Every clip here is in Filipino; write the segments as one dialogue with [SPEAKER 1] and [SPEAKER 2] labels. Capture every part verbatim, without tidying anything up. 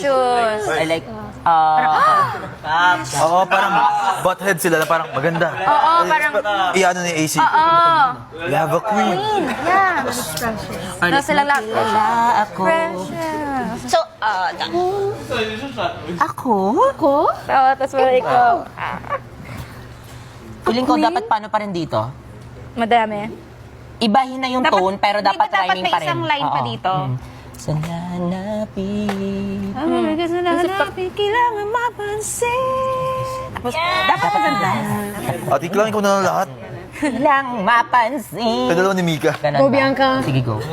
[SPEAKER 1] Shoes.
[SPEAKER 2] I like, uh,
[SPEAKER 3] Oo, parang butthead sila na parang maganda.
[SPEAKER 1] Oo, parang...
[SPEAKER 3] Iano ni A C.
[SPEAKER 1] Oo.
[SPEAKER 3] We have a queen.
[SPEAKER 1] Yeah. No, silang lahat.
[SPEAKER 2] wala ako.
[SPEAKER 1] Precious.
[SPEAKER 4] So, uh,
[SPEAKER 2] Ako?
[SPEAKER 1] Ako? Oo, tapos wala ikaw.
[SPEAKER 2] Feeling ko dapat paano pa rin dito?
[SPEAKER 1] Madami.
[SPEAKER 2] Ibahin na yung
[SPEAKER 4] Dapat-
[SPEAKER 2] tone, pero
[SPEAKER 4] di ba
[SPEAKER 2] dapat
[SPEAKER 4] dapat
[SPEAKER 2] rhyming
[SPEAKER 4] may
[SPEAKER 2] pa rin.
[SPEAKER 4] isang line pa
[SPEAKER 2] Oo.
[SPEAKER 4] dito?
[SPEAKER 2] Mm. Sa nanapin.
[SPEAKER 1] Hmm. Kasi
[SPEAKER 4] kailangan mapansin. Tapos, dapat maganda.
[SPEAKER 3] At iklangin ko na lang lahat.
[SPEAKER 2] Lang mapansin.
[SPEAKER 3] Kadalawa ni Mika.
[SPEAKER 2] Ganun
[SPEAKER 1] Go,
[SPEAKER 2] ba?
[SPEAKER 1] Bianca.
[SPEAKER 2] Sige, go.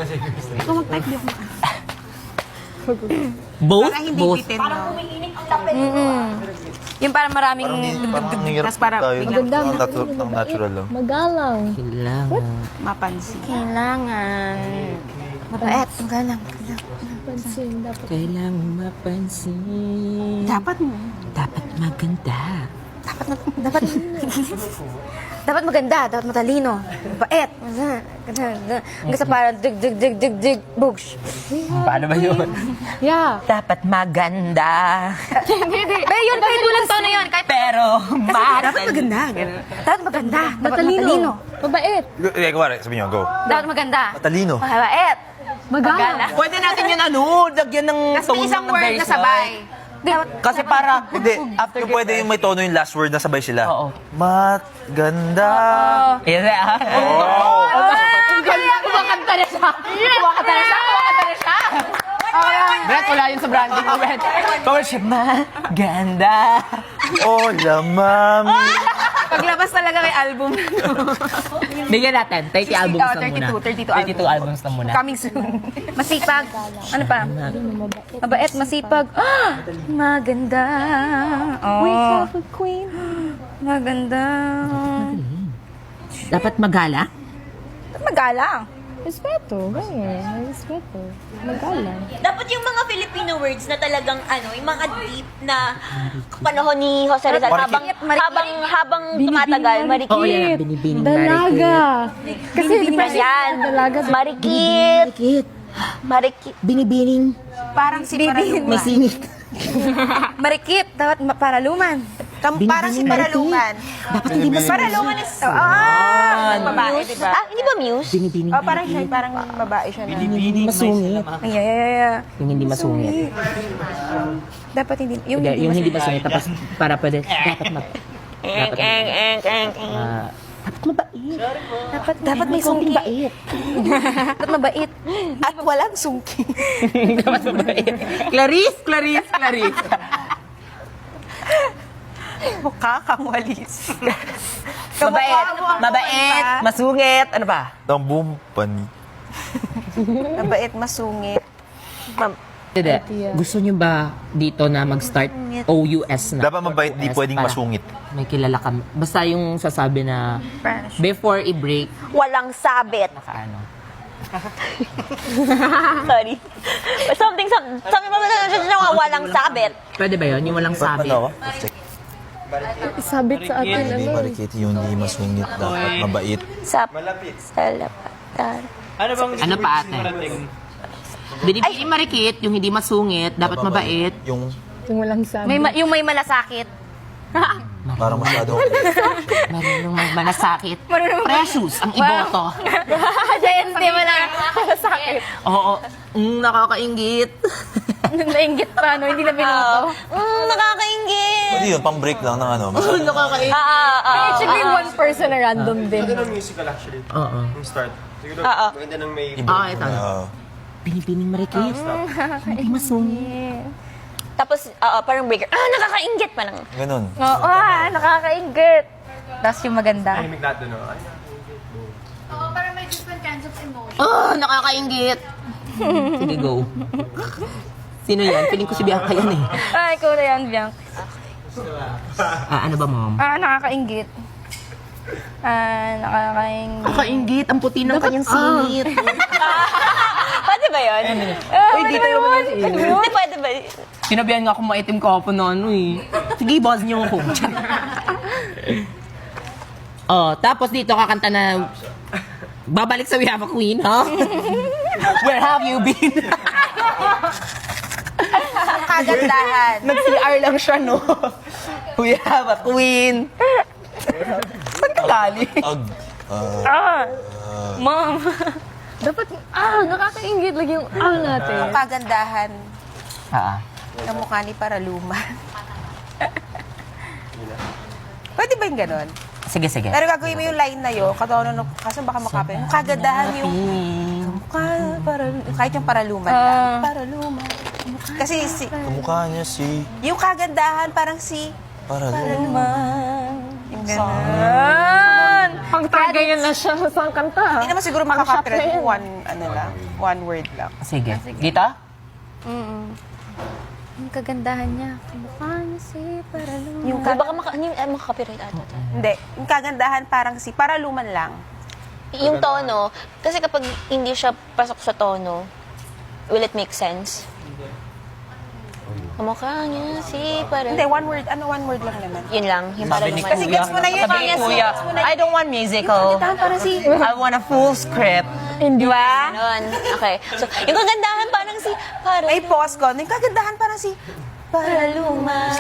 [SPEAKER 2] Both?
[SPEAKER 4] Para hindi
[SPEAKER 2] Both.
[SPEAKER 4] bitin, no?
[SPEAKER 1] Mm-mm. Yung parang maraming...
[SPEAKER 3] Parang ang hirap
[SPEAKER 4] Tas parang
[SPEAKER 3] tayo.
[SPEAKER 4] biglang-
[SPEAKER 3] Ang natu- ang natural lang.
[SPEAKER 5] Magalang.
[SPEAKER 2] Kailangan.
[SPEAKER 4] Mapansin.
[SPEAKER 1] Kailangan. Mabait. Magalang.
[SPEAKER 5] Pansin, dapat.
[SPEAKER 2] Kailangan mapansin.
[SPEAKER 4] Dapat mo.
[SPEAKER 2] Dapat maganda.
[SPEAKER 1] Dapat, dapat, dapat maganda, dapat matalino, mabait. Hanggang sa parang dig, dig, dig, dig, dig, books.
[SPEAKER 2] Paano ba yun?
[SPEAKER 5] Yeah.
[SPEAKER 2] Dapat maganda.
[SPEAKER 1] Pero yun, kahit walang tono yun, kahit
[SPEAKER 2] Pero
[SPEAKER 4] Dapat
[SPEAKER 2] matal.
[SPEAKER 4] maganda. Ganun.
[SPEAKER 1] dapat maganda, dapat
[SPEAKER 5] Matalino.
[SPEAKER 1] matalino.
[SPEAKER 5] Mabait.
[SPEAKER 3] Eh, kumari, sabi niyo, go.
[SPEAKER 1] Dapat maganda.
[SPEAKER 3] Matalino.
[SPEAKER 1] Mabait.
[SPEAKER 5] Magalang.
[SPEAKER 2] Pwede natin yun ano, lagyan ng
[SPEAKER 4] Tapos may isang
[SPEAKER 2] ng
[SPEAKER 4] word na
[SPEAKER 2] verse,
[SPEAKER 4] sabay.
[SPEAKER 1] Dapat,
[SPEAKER 2] Kasi para,
[SPEAKER 3] Hindi, after pwede yung may tono yung last word na sabay sila.
[SPEAKER 2] Oo.
[SPEAKER 3] Mat, ganda.
[SPEAKER 2] Yes, ah.
[SPEAKER 5] Kumakanta na siya. Kumakanta na siya. Kumakanta na siya.
[SPEAKER 2] Brett, wala yun sa branding ko, Brett. Kung siya maganda.
[SPEAKER 3] Hola, mami.
[SPEAKER 4] Paglabas talaga kay album.
[SPEAKER 2] Bigyan natin, thirty albums
[SPEAKER 4] oh,
[SPEAKER 2] na muna.
[SPEAKER 4] thirty-two, thirty-two
[SPEAKER 2] thirty-two albums na muna.
[SPEAKER 4] Coming soon.
[SPEAKER 1] masipag. Ano pa? Mabait, masipag. Ah, maganda.
[SPEAKER 5] We
[SPEAKER 1] Oh,
[SPEAKER 5] have a queen.
[SPEAKER 1] maganda.
[SPEAKER 2] Dapat magala?
[SPEAKER 4] Magalang.
[SPEAKER 5] Respeto. Ganyan. May respeto. Magalang.
[SPEAKER 6] Dapat yung mga Filipino words na talagang ano, yung mga deep na panahon ni Jose Rizal habang
[SPEAKER 1] Marikit.
[SPEAKER 6] habang habang tumatagal, marikit.
[SPEAKER 2] Oo, yan. Binibining
[SPEAKER 5] Dalaga. Kasi depression.
[SPEAKER 6] Yan.
[SPEAKER 5] Dalaga.
[SPEAKER 6] Marikit.
[SPEAKER 2] Marikit.
[SPEAKER 6] Marikit.
[SPEAKER 2] Binibining.
[SPEAKER 4] Parang si Paraluman.
[SPEAKER 2] May singit.
[SPEAKER 1] Marikit, dapat ma- paraluman.
[SPEAKER 4] Kam- parang si Paraluman.
[SPEAKER 2] Dapat hindi mas...
[SPEAKER 4] Paraluman is... Ah! Ng babae, di ba?
[SPEAKER 6] Ah, hindi ba Muse?
[SPEAKER 2] Binibining.
[SPEAKER 4] Oh, parang siya, parang babae siya na.
[SPEAKER 2] Hindi masungit.
[SPEAKER 1] Ay, ay, ay, ay.
[SPEAKER 2] Yung hindi masungit.
[SPEAKER 1] Dapat hindi. Yung
[SPEAKER 2] Hindi,
[SPEAKER 1] hindi
[SPEAKER 2] yung hindi
[SPEAKER 1] masungit.
[SPEAKER 2] masungit. Tapos para pwede, dapat mag... Dapat, ah, dapat mabait.
[SPEAKER 1] Dapat, dapat may sungki.
[SPEAKER 2] Bait.
[SPEAKER 1] Dapat mabait.
[SPEAKER 4] At walang sungki.
[SPEAKER 2] dapat mabait. Clarice, Clarice, Clarice.
[SPEAKER 4] Mukha kang walis.
[SPEAKER 2] Mabait. Mabait. Masungit. Ano pa?
[SPEAKER 3] Ng bumpani.
[SPEAKER 4] Mabait, masungit.
[SPEAKER 2] Hindi. Gusto niyo ba dito na mag-start O U S na?
[SPEAKER 3] Dapat mabait, di
[SPEAKER 2] O U S
[SPEAKER 3] pwedeng
[SPEAKER 2] para
[SPEAKER 3] masungit.
[SPEAKER 2] May kilala ka. Basta yung sasabi na before i-break,
[SPEAKER 6] Walang sabit.
[SPEAKER 2] naka ano.
[SPEAKER 6] Sorry. Something, something, something, walang sabit.
[SPEAKER 2] Pwede ba yun? Yung walang sabi.
[SPEAKER 3] Ano ako? Check.
[SPEAKER 5] Isabit sa atin.
[SPEAKER 3] Hindi
[SPEAKER 5] Ano?
[SPEAKER 3] marikit, yung hindi masungit. Dapat mabait.
[SPEAKER 6] Sa... Sa lapatan.
[SPEAKER 2] Ano pa ate? Binibili marikit, yung hindi masungit, dapat mabait.
[SPEAKER 3] Yung
[SPEAKER 5] Yung walang sabi.
[SPEAKER 1] May, ma- yung may malasakit.
[SPEAKER 3] parang masyado.
[SPEAKER 2] Marunong magmalasakit. Precious ang iboto.
[SPEAKER 1] Diyan, hindi mo lang malasakit.
[SPEAKER 2] Oo. Mm, nakakaingit.
[SPEAKER 1] Nainggit pa, no? Hindi na binoto.
[SPEAKER 6] Mm, nakakaingit.
[SPEAKER 3] Hindi yun, pang-break lang ng ano. Masyado.
[SPEAKER 2] nakakaingit.
[SPEAKER 6] Ah, ah, ah.
[SPEAKER 5] It should be one person na random din.
[SPEAKER 7] Ganda ng musical actually.
[SPEAKER 2] Oo.
[SPEAKER 7] Yung start. Siguro,
[SPEAKER 6] Oo.
[SPEAKER 7] maganda ng may...
[SPEAKER 2] Ah, ito.
[SPEAKER 3] Ah,
[SPEAKER 2] Binibining marikit. Hindi masungit.
[SPEAKER 6] Tapos, oo, parang breaker. Ah, nakakaingit pa lang.
[SPEAKER 3] ganun.
[SPEAKER 1] Oo, ah, nakakainggit. Tapos yung maganda.
[SPEAKER 7] Tahimik lahat doon, no? Ay,
[SPEAKER 2] Oh, nakakaingit. Sige, go. Sino yan? Feeling ko si Bianca yan eh.
[SPEAKER 1] Ay, ikaw na yan, Bianc.
[SPEAKER 2] Ah, ano ba, mom?
[SPEAKER 1] Ah, nakakainggit. Ah, nakakainggit.
[SPEAKER 2] Nakakaingit. Ang puti ng kanyang singit.
[SPEAKER 6] Pwede ba yun?
[SPEAKER 1] Ah,
[SPEAKER 2] Uy, dito naman yung singit.
[SPEAKER 6] Hindi pwede ba?
[SPEAKER 2] Sinabihan nga akong maitim ka po na ano eh. Sige, boss niyo ako. Oh, tapos dito kakanta na babalik sa We Have a Queen, ha? Huh? Where have you been?
[SPEAKER 4] kagandahan.
[SPEAKER 2] Nag-C R lang siya, no? We have a queen. Saan ka galing?
[SPEAKER 1] Mom.
[SPEAKER 5] Dapat, ah, nakakaingit lagi yung ah natin.
[SPEAKER 4] Ang kagandahan
[SPEAKER 2] Ah,
[SPEAKER 4] ng mukha ni Paraluman. Pwede ba yung ganon?
[SPEAKER 2] sige, sige.
[SPEAKER 4] Pero gagawin mo yung line na yun, katawa no, kaso baka makapin. Yung kagandahan yung mukha, para, kahit yung Paraluman lang. Paraluman. Kasi si,
[SPEAKER 3] Kamukha niya si...
[SPEAKER 4] yung kagandahan parang si
[SPEAKER 3] Para
[SPEAKER 4] Paraluman. Yung ganon.
[SPEAKER 5] Pang tagay na siya sa kanta.
[SPEAKER 4] Hindi naman siguro makakapirate kung one, ano lang, one word lang.
[SPEAKER 2] Sige. Dito?
[SPEAKER 1] Ang kagandahan niya. Kamukha niya si Paraluman.
[SPEAKER 4] Yung
[SPEAKER 6] Ay, baka maka, hindi, eh, makaka-copyright ata.
[SPEAKER 4] Hindi, yung kagandahan parang si Paraluman lang.
[SPEAKER 6] Yung tono, kasi kapag hindi siya pasok sa tono, will it make sense? Kamukha niya si
[SPEAKER 4] Hindi,
[SPEAKER 6] parang...
[SPEAKER 4] one word, ano one word lang naman.
[SPEAKER 6] Yun lang, yung
[SPEAKER 2] Sabi ni
[SPEAKER 6] parang...
[SPEAKER 4] Kasi gets mo na yun.
[SPEAKER 2] Sabi ni
[SPEAKER 4] Yes,
[SPEAKER 2] Kuya,
[SPEAKER 4] gets mo na yun.
[SPEAKER 2] I don't want musical.
[SPEAKER 4] Parang si...
[SPEAKER 2] I want a full script.
[SPEAKER 5] Hindi
[SPEAKER 4] Diba?
[SPEAKER 6] Ganon. Okay. So, yung kagandahan parang si... Parang...
[SPEAKER 4] May pause ko. Yung kagandahan parang si...
[SPEAKER 6] Paraluman.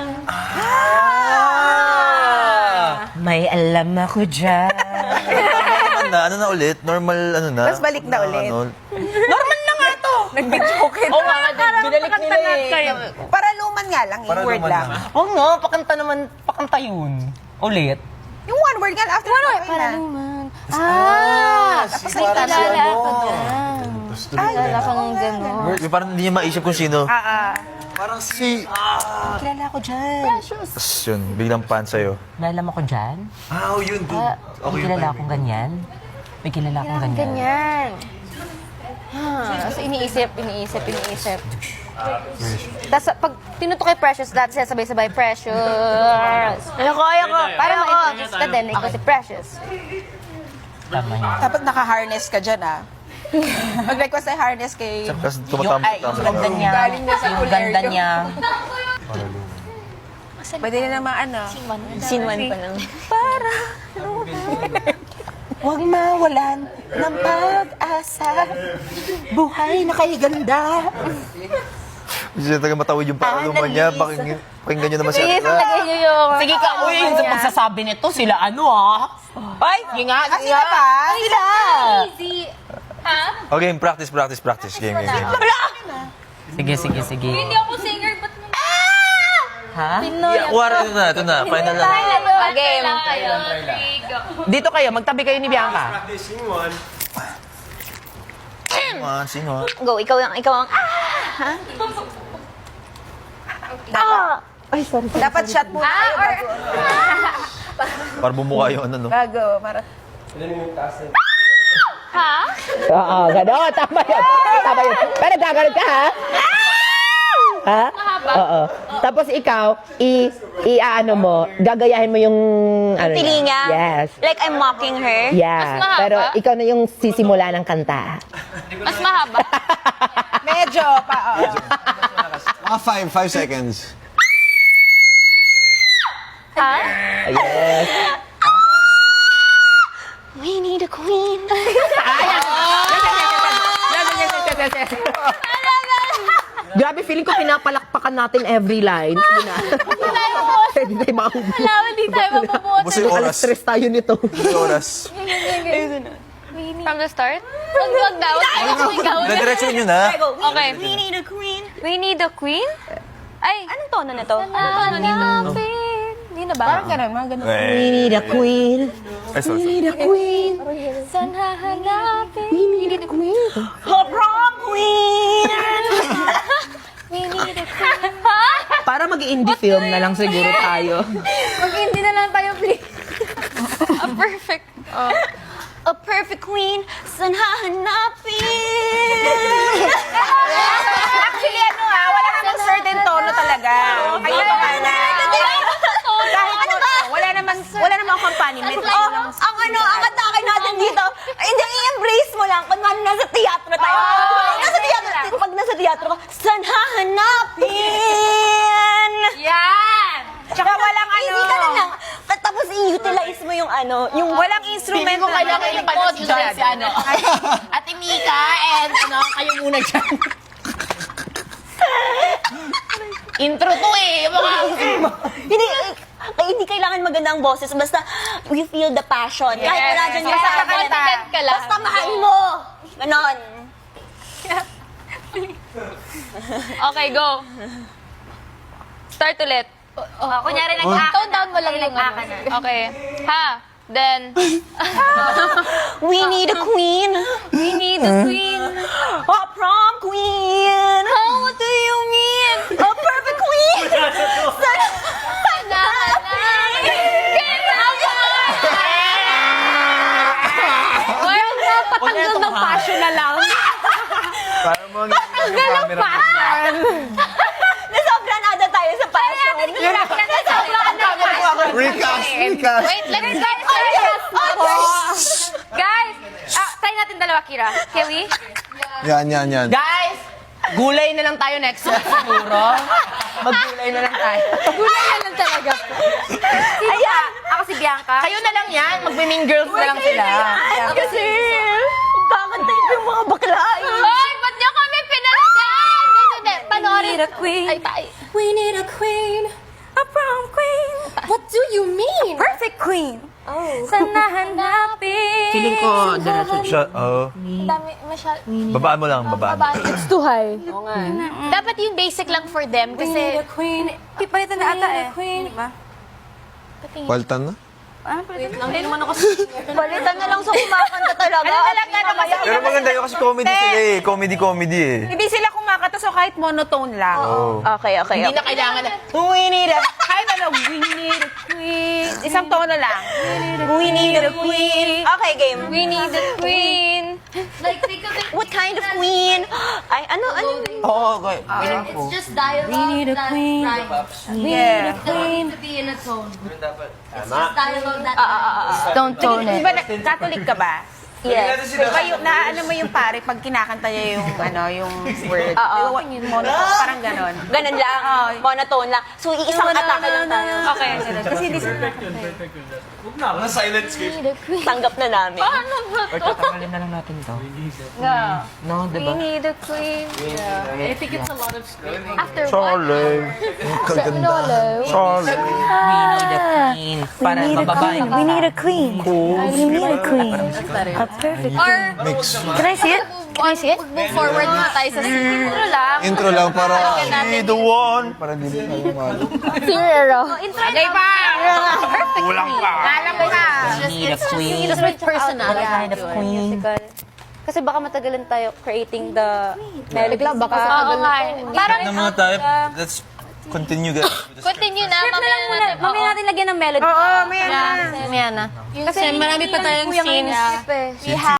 [SPEAKER 2] Ah! May alam ako dyan.
[SPEAKER 3] Ano na, ano na ulit? Normal, ano na?
[SPEAKER 4] Tapos balik na ulit.
[SPEAKER 3] Ano,
[SPEAKER 2] Normal na nga to.
[SPEAKER 4] Nag-joke.
[SPEAKER 2] Oo nga, binalik nila eh.
[SPEAKER 4] Paraluman nga lang, yung word
[SPEAKER 3] Paraluman
[SPEAKER 4] lang.
[SPEAKER 3] lang.
[SPEAKER 2] Oo nga, pakanta naman, pakanta yun. Ulit.
[SPEAKER 4] Yung one word nga, after one word na.
[SPEAKER 1] Paraluman. Ah!
[SPEAKER 4] Tapos
[SPEAKER 3] si
[SPEAKER 4] ay
[SPEAKER 3] parang si
[SPEAKER 1] Kilala
[SPEAKER 3] ano.
[SPEAKER 1] ko dyan. Kilala ko ng gano'n.
[SPEAKER 3] Yung parang hindi niya maisip kung sino.
[SPEAKER 4] Ah, ah.
[SPEAKER 3] Parang si...
[SPEAKER 4] Kilala ko dyan.
[SPEAKER 3] Tapos yun, biglang pan sa'yo.
[SPEAKER 2] May alam ako dyan.
[SPEAKER 3] Ah, oh, yun, dude.
[SPEAKER 2] May kilala akong ganyan. May kilala akong ganyan.
[SPEAKER 1] Ganyan. Ha, so iniisip, iniisip, iniisip. Tapos pag tinuto kay Precious, dati siya sabay-sabay, Precious.
[SPEAKER 6] Ayoko, ayoko.
[SPEAKER 1] Para ma-introduce ka din, ikaw si Precious.
[SPEAKER 2] Tama yun.
[SPEAKER 4] Dapat naka-harness ka dyan, ah. Mag-request ay harness kay...
[SPEAKER 3] Tapos
[SPEAKER 2] Yung, ay, yung ganda niya.
[SPEAKER 4] Galing na sa
[SPEAKER 2] Yung
[SPEAKER 4] full
[SPEAKER 2] ganda
[SPEAKER 4] area.
[SPEAKER 2] niya.
[SPEAKER 4] Pwede na naman, ano.
[SPEAKER 6] Scene one pa lang.
[SPEAKER 2] Huwag mawalan ng pag-asa. Buhay na kay ganda.
[SPEAKER 3] Kasi talaga matawid yung paraluman niya. Pakinggan, pakinggan niyo naman siya.
[SPEAKER 1] Sige, lagay niyo yung...
[SPEAKER 2] Sige ka, uy, yung sa pagsasabi nito, sila ano ah. Ay, sige nga,
[SPEAKER 4] Ah,
[SPEAKER 2] sige
[SPEAKER 4] sila
[SPEAKER 2] nga.
[SPEAKER 4] ba?
[SPEAKER 2] Sila.
[SPEAKER 3] Okay, practice, practice, practice. Game, game, game.
[SPEAKER 2] Sige, sige, sige.
[SPEAKER 6] Hindi ako singer, ba't mo?
[SPEAKER 2] Ha?
[SPEAKER 3] Yeah, war, ito na, ito na. Final na.
[SPEAKER 6] Game.
[SPEAKER 2] Dito kayo, magtabi kayo ni Bianca.
[SPEAKER 7] Practicing one.
[SPEAKER 3] Sino ah? Sino ah?
[SPEAKER 6] Go, ikaw ang, ikaw ang, ah!
[SPEAKER 4] Dapat shot muna tayo bago.
[SPEAKER 3] Para bumukha yung ano, no?
[SPEAKER 4] Bago. Para...
[SPEAKER 2] Oo, gano'n. Tama yun. Tama yun. Pero gagano'n ka, ha? Ha? Oo. Tapos ikaw, i, i ano mo, gagayahin mo yung, ano
[SPEAKER 6] Pili niya?
[SPEAKER 2] Yes.
[SPEAKER 6] Like I'm mocking her?
[SPEAKER 2] Yeah. Pero ikaw na yung sisimula ng kanta.
[SPEAKER 6] Mas mahaba?
[SPEAKER 4] Medyo pa, oo.
[SPEAKER 8] Mga five, five seconds.
[SPEAKER 2] Yes.
[SPEAKER 6] We need a queen.
[SPEAKER 2] Grabe, feeling ko pinapalakpakan natin every line. Sige na. Hindi tayo makahubog.
[SPEAKER 6] Wala, hindi tayo mabubuhat.
[SPEAKER 3] Basta yung oras.
[SPEAKER 2] Stress tayo nito.
[SPEAKER 3] Yung oras.
[SPEAKER 6] From the start? Wag, wag daw. Ikaw.
[SPEAKER 3] Nadiretso nyo na.
[SPEAKER 6] Okay. We need a queen. We need a queen? Ay, anong tono na to? Anong tono nito? Hindi na ba?
[SPEAKER 4] Parang ganun, mga ganun.
[SPEAKER 2] We need a queen.
[SPEAKER 3] Ay, sorry,
[SPEAKER 2] We
[SPEAKER 3] sorry.
[SPEAKER 2] need a queen.
[SPEAKER 6] Saan hahanapin?
[SPEAKER 2] We need a queen.
[SPEAKER 6] A prom queen! We need a queen. Ha?
[SPEAKER 2] Para mag-indie film na lang siguro tayo.
[SPEAKER 1] Mag-hindi na lang tayo, please.
[SPEAKER 6] A perfect... A perfect queen, saan hahanapin?
[SPEAKER 4] Actually, ano ha, wala namang certain tono talaga. Kayo pa ka na. Kahit
[SPEAKER 6] Ano
[SPEAKER 4] mo,
[SPEAKER 6] ba?
[SPEAKER 4] wala naman, wala namang accompaniment.
[SPEAKER 6] Oh, ang ano, ang atake natin dito, hindi, i-embrace mo lang. Kung ano, nasa teatro tayo. Pag nasa teatro, pag nasa teatro ka, saan hahanapin?
[SPEAKER 4] Yan! Tsaka walang ano.
[SPEAKER 6] Hindi ka na lang. Tapos i-utilize mo yung ano, yung
[SPEAKER 4] Walang instrument.
[SPEAKER 2] Feeling ko kailangan yung panood dyan si ano. Ate Mika and ano, kayo muna dyan.
[SPEAKER 4] Intro to eh. Mga...
[SPEAKER 6] Hindi, eh, hindi kailangan maganda ang boses. Basta, you feel the passion. Kahit wala dyan yung
[SPEAKER 4] Basta
[SPEAKER 6] sabi.
[SPEAKER 4] confident
[SPEAKER 5] ka lang.
[SPEAKER 6] Basta mahal mo. Ganon.
[SPEAKER 5] Okay, go. Start ulit.
[SPEAKER 1] Oh, kunyari nag-act. Tone down mo lang yung ano.
[SPEAKER 5] Okay. Ha? Then,
[SPEAKER 6] We need a queen.
[SPEAKER 5] we need a queen.
[SPEAKER 6] A prom queen.
[SPEAKER 5] Oh, what do you mean?
[SPEAKER 6] A perfect queen. Sana, sana.
[SPEAKER 5] Well, napatanggal ng passion na lang.
[SPEAKER 3] Para mo ang camera.
[SPEAKER 6] Nasobranada tayo sa passion.
[SPEAKER 8] Recast, recast.
[SPEAKER 5] Wait, let's get Guys, ah, try natin dalawa, Kira. Can we?
[SPEAKER 8] Yan, yan, yan.
[SPEAKER 2] Guys, gulay na lang tayo next week siguro. Maggulay na lang tayo.
[SPEAKER 1] Gulay na lang talaga. Sino ka? Ako si Bianca.
[SPEAKER 2] Kayo na lang yan. Magbe-mean girls na lang sila.
[SPEAKER 6] Kasi, kakanta yung mga bakla.
[SPEAKER 5] Ay, ba't niyo kami pinalagyan? Hindi, hindi. Panoorin. Ay, tayo.
[SPEAKER 1] We need a queen. A prom queen. What do you mean?
[SPEAKER 4] Perfect queen.
[SPEAKER 1] Sana hanapin.
[SPEAKER 2] Feeling ko, diretso.
[SPEAKER 3] Siya, oo.
[SPEAKER 5] Dami, masyal.
[SPEAKER 3] Babaan mo lang, babaan.
[SPEAKER 1] It's too high.
[SPEAKER 5] Dapat yung basic lang for them kasi
[SPEAKER 1] queen.
[SPEAKER 4] Pipalitan na ata eh. Di ba?
[SPEAKER 8] Paltan na?
[SPEAKER 6] Balitan na lang sa kumakanta talaga.
[SPEAKER 4] Ano na lang ano kasi
[SPEAKER 3] Pero maganda yun kasi comedy sila eh. Comedy-comedy eh.
[SPEAKER 4] hindi sila kumakanta so kahit monotone lang.
[SPEAKER 6] Okay, okay,
[SPEAKER 2] Hindi
[SPEAKER 6] okay.
[SPEAKER 2] na kailangan na.
[SPEAKER 4] We need a, kahit ano, we need a queen. Isang tono lang. We need a queen.
[SPEAKER 6] Okay, game.
[SPEAKER 5] we need a queen. Like, think of it.
[SPEAKER 6] What kind of queen? Ay, ano, ano?
[SPEAKER 2] Oo, okay.
[SPEAKER 5] It's just dialogue. We need a queen.
[SPEAKER 4] Yeah.
[SPEAKER 5] Doesn't need to be in a tone. It's just dialogue that
[SPEAKER 1] Don't tone
[SPEAKER 4] Di
[SPEAKER 1] it.
[SPEAKER 4] ba, nag- Catholic ka ba?
[SPEAKER 6] Yes.
[SPEAKER 4] Di ba yung, na, ano mo yung pare, pag kinakanta niya yung, ano, yung word. Oo. Monotone, parang ganon.
[SPEAKER 6] Ganun lang. Monotone lang. So, iisang atake lang tayo.
[SPEAKER 4] Okay, ganun. Kasi hindi sila.
[SPEAKER 7] Huwag na, wala silent script.
[SPEAKER 6] Tanggap na namin.
[SPEAKER 2] Or tatanggalin na lang natin to. No, diba?
[SPEAKER 5] We need a queen.
[SPEAKER 1] I think it's a lot of screaming.
[SPEAKER 5] After one.
[SPEAKER 3] Charlie.
[SPEAKER 1] Hello.
[SPEAKER 3] Charlie.
[SPEAKER 2] We need a queen. Para mababa yung...
[SPEAKER 6] We need a queen. We need a queen.
[SPEAKER 5] Or,
[SPEAKER 6] Can I see it?
[SPEAKER 5] Can I see it? Move forward muna tayo sa intro lang.
[SPEAKER 8] Intro lang para...
[SPEAKER 3] Be the one.
[SPEAKER 8] Para hindi tayo malo.
[SPEAKER 1] Zero.
[SPEAKER 5] Intro
[SPEAKER 4] Okay pa!
[SPEAKER 5] Perfect.
[SPEAKER 3] Kulang pa.
[SPEAKER 4] Alam mo na.
[SPEAKER 2] We need a queen.
[SPEAKER 1] Just with personality.
[SPEAKER 2] Kind of queen.
[SPEAKER 1] Kasi baka matagalan tayo creating the melody. Baka sa
[SPEAKER 5] Oo nga. Parang,
[SPEAKER 3] Ano mga tayo? Let's continue guys.
[SPEAKER 5] continue na. Mamaya na natin.
[SPEAKER 1] Mamaya natin lagyan ng melody.
[SPEAKER 4] Oo, may ano.
[SPEAKER 1] Mamaya na.
[SPEAKER 5] Kasi marami pa tayong scenes.
[SPEAKER 1] We have